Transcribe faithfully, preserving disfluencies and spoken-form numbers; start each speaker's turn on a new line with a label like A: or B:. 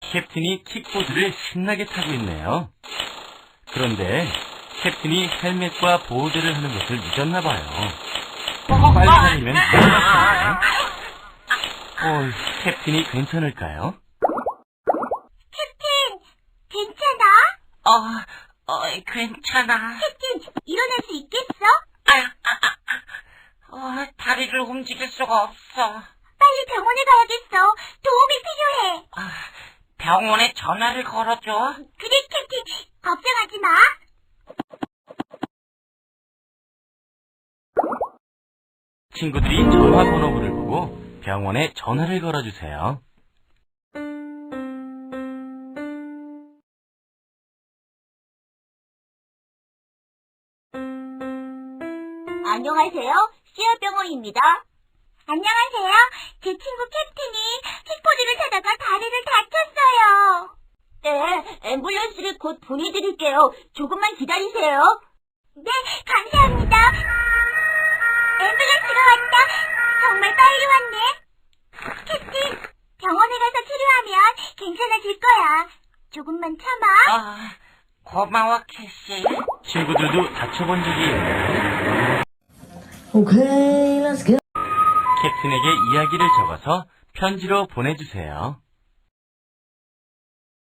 A: 캡틴이 킥보드를 신나게 타고 있네요. 그런데 캡틴이 헬멧과 보호대를 하는 것을 잊었나봐요. 빨리 달리면 괜찮아요. 어, 캡틴이 괜찮을까요?
B: 캡틴, 괜찮아?
C: 어, 어, 괜찮아.
B: 캡틴, 일어날 수 있겠어?
C: 아, 아, 아, 아. 어, 다리를 움직일 수가 없어.
B: 빨리 병원에 가야겠어. 도움이 필요해.
C: 아, 병원에 전화를 걸어줘.
B: 그래, 캡틴. 걱정하지 마.
A: 친구들이 전화번호부를 보고 병원에 전화를 걸어주세요.
B: 안녕하세요. 씨알병원입니다. 안녕하세요. 제 친구 캡틴이 킥보드를 타다가 다리를 다쳤어요. 네, 앰뷸런스를 곧 보내드릴게요. 조금만 기다리세요. 네, 감사합니다. 앰뷸런스가 왔다. 정말 빨리 왔네. 캡틴, 병원에 가서 치료하면 괜찮아질 거야. 조금만 참아.
C: 아, 고마워, 캐시.
A: 친구들도 다쳐본 적이 있나요?
D: Okay, let's go.
A: 캡틴에게 이야기를 적어서 편지로 보내주세요.